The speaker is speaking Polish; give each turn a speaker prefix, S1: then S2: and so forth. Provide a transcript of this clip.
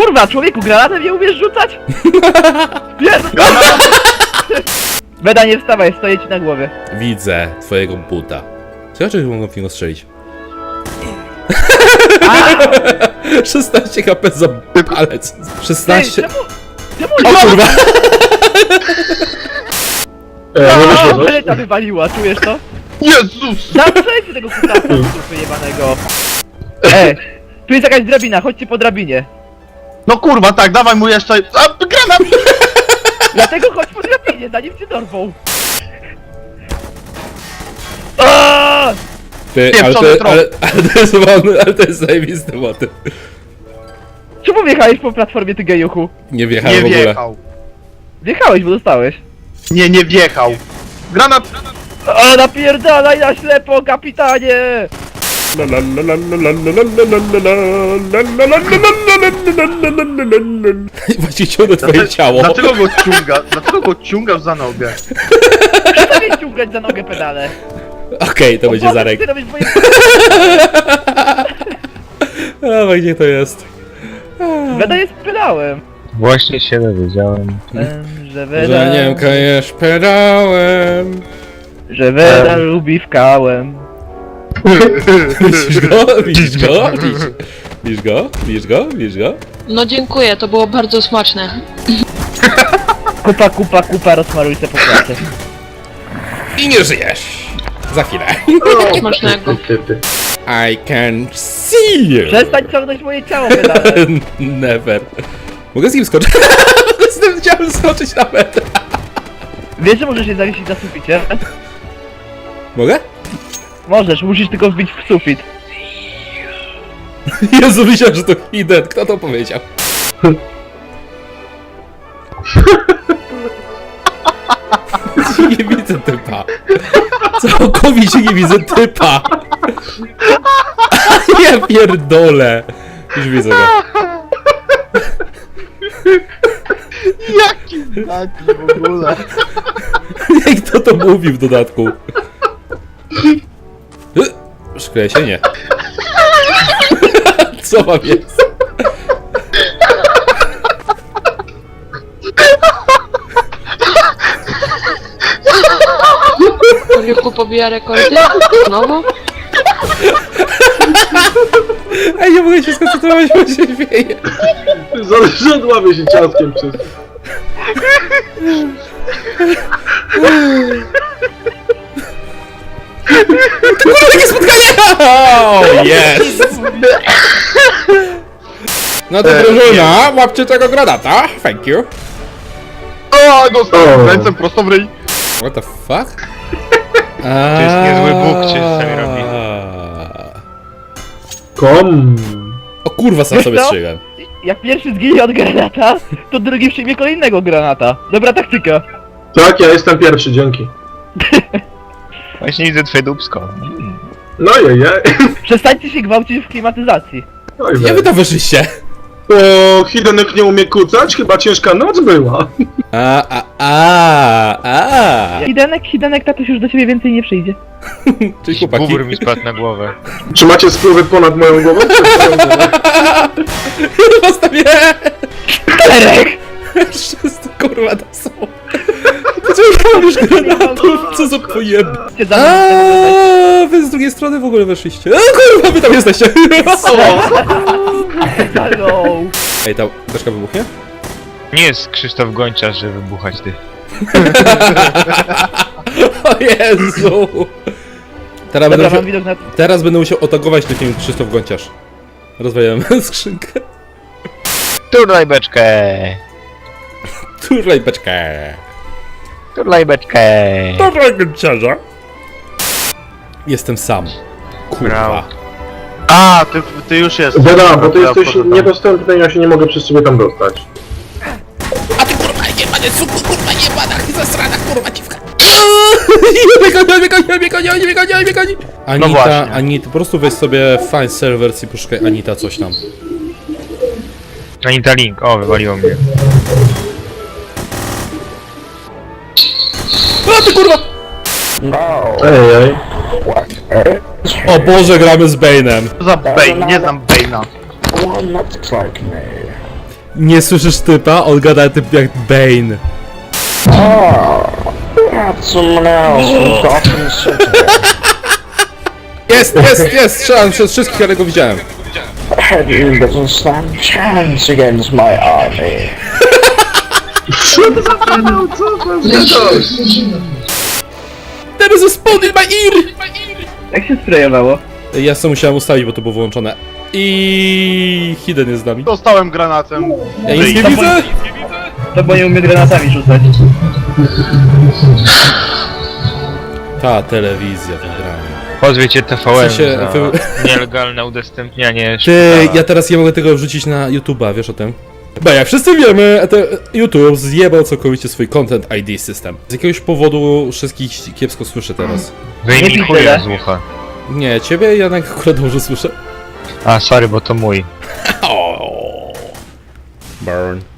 S1: Kurwa, człowieku, granatem nie umiesz rzucać? Jezu! Beda, nie wstawaj, stoję ci na głowie.
S2: Widzę twojego buta. Ciekawe, czy mogą w niego strzelić. 16 HP za palec. 16...
S1: Czemu?
S2: O kurwa!
S3: Nie wyszło coś?
S1: Beleta wywaliła, czujesz to?
S3: Jezus!
S1: Zamknijcie tego kutasa, wyjebanego. Tu jest jakaś drabina, chodźcie po drabinie.
S3: No kurwa, tak, dawaj mu jeszcze... A, granat!
S1: Dlatego chodź po drabinie, zanim cię dorwą. Aaaa!
S2: Ty,
S3: Pieprzony trop.
S2: ale to jest zajebisty motyw.
S1: Czemu wjechałeś po platformie, ty gejuchu?
S2: Nie wjechałem
S3: Nie
S2: w ogóle.
S3: wjechał.
S1: Wjechałeś, bo dostałeś.
S3: Nie wjechał. Granat!
S1: O, napierdalaj na ślepo, kapitanie!
S2: Właśnie ciągnę twoje ciało.
S3: Dlaczego go ciągasz za nogę?
S1: Przestań mnie ciągać za nogę pedale.
S2: Okej, to będzie Zarek.
S1: Ty robisz moje...
S2: A gdzie to jest?
S1: Beda jest pedałem.
S4: Właśnie się dowiedziałem.
S1: Że Beda...
S2: Że nie kajesz pedałem.
S1: Że Beda lubi wkałem.
S2: Widzisz go? Widzisz go? Widzisz go? Widzisz go? Widzisz go?
S5: No dziękuję, to było bardzo smaczne.
S1: Kupa, rozmaruj se po klasie.
S2: I nie żyjesz. Za chwilę.
S5: Smacznego.
S2: I can see you.
S1: Przestań ciągnąć moje ciało pedale.
S2: Never. Mogę z nim skoczyć? Mogę z tym ciałem skoczyć na metr.
S1: Wiesz, że możesz się zawiesić na suficie?
S2: Mogę?
S1: Możesz, musisz tylko wbić w sufit.
S2: Jezu, myślałem, że to hidden. Kto to powiedział? Nie widzę typa. Całkowicie nie widzę typa. Ja pierdolę. Już widzę go.
S3: Jaki taki w ogóle?
S2: I kto to mówi w dodatku? Szkleję się? Nie. Co mam jest?
S5: Oliwku pobija rekordy? Znowu?
S2: Ej, nie mogę się skoncentrować, bo się śmieję.
S3: Zależadłaby się ciaskiem przez...
S2: Takie spotkanie! Oh, yes! No to drużyna, łapcie tego granata. Thank you.
S3: O, dostałem ręce prosto w ryj.
S2: What the fuck?
S4: To jest niezły bóg, czy sami robi.
S3: Kom.
S2: O kurwa, sam sobie
S1: Co?
S2: strzygam.
S1: Jak pierwszy zginie od granata, to drugi przyjmie kolejnego granata. Dobra taktyka.
S3: Tak, ja jestem pierwszy, dzięki.
S4: Właśnie widzę twoje dupsko.
S3: No je.
S1: Przestańcie się gwałcić w klimatyzacji.
S3: Oj,
S2: Jak wy tam weszliście?
S3: O, Hidenek nie umie kucać? Chyba ciężka noc była.
S1: Hidenek, tatuś już do ciebie więcej nie przyjdzie.
S2: Cześć chłopaki.
S4: Bubr mi spadł na głowę.
S3: Czy macie spływy ponad moją głową?
S2: Postawię!
S1: Terek!
S2: Wszyscy kurwa to są. Dlaczego już granatów? Co za pojeb...
S1: Cię za mną.
S2: Wy z drugiej strony w ogóle weszliście. Kurwa, wy tam jesteście.
S1: Hello.
S2: Ej, ta beczka wybuchnie?
S4: Nie jest Krzysztof Gończarz, żeby wybuchać ty.
S2: O Jezu! Teraz
S1: Dobra,
S2: będę,
S1: mam widok na...
S2: teraz będę musiał otagować takim Krzysztof Gonciarz. Rozwaliłem skrzynkę.
S4: Turlaj beczkę!
S2: Turlaj beczkę.
S4: Turlaj beczkę!
S2: Turlaj Gonciarza. Jestem sam. Kurwa.
S4: Brawo.
S3: A, ty już jesteś. Beda, bo ty jesteś niedostępny i ja się nie mogę przez ciebie tam dostać.
S2: A ty kurwa nie będę cuku, kurwa nie będę zasrana kurwa dziwka. Nie goni. Anita,
S3: właśnie.
S2: Anita, po prostu weź sobie find servers i poszukaj Anita coś tam.
S4: Anita Link, o, wywaliło mnie.
S2: A ty kurwa!
S3: Ej.
S2: O Boże, gramy z Bane'em.
S3: Co za Bane? Nie znam Bane'a.
S2: Nie słyszysz typa? On gada typ jak Bane. Jest! Strzelam przez wszystkich, ale go widziałem.
S6: You doesn't stand chance against my army.
S2: There is a spawn in my ear!
S1: Jak się sprejowało?
S2: Ja sobie musiałem ustawić, bo to było wyłączone. I Hidden jest z nami.
S3: Dostałem granatem.
S2: Ja nic nie widzę!
S1: To bo nie umie granatami rzucać.
S2: Ta telewizja wygrana.
S4: Pozwiecie TVN
S2: W sensie,
S4: za nielegalne udostępnianie
S2: Ty,
S4: szpitala.
S2: ja teraz nie mogę tego wrzucić na YouTube'a, wiesz o tym? Bo jak wszyscy wiemy, YouTube zjebał całkowicie swój Content ID system. Z jakiegoś powodu wszystkich kiepsko słyszę teraz.
S4: Wyjmij
S1: Nie
S4: chuja
S1: piszę,
S4: z ucha.
S2: Nie, ciebie Janek akurat dobrze słyszę.
S4: A, sorry, bo to mój.
S2: Burn.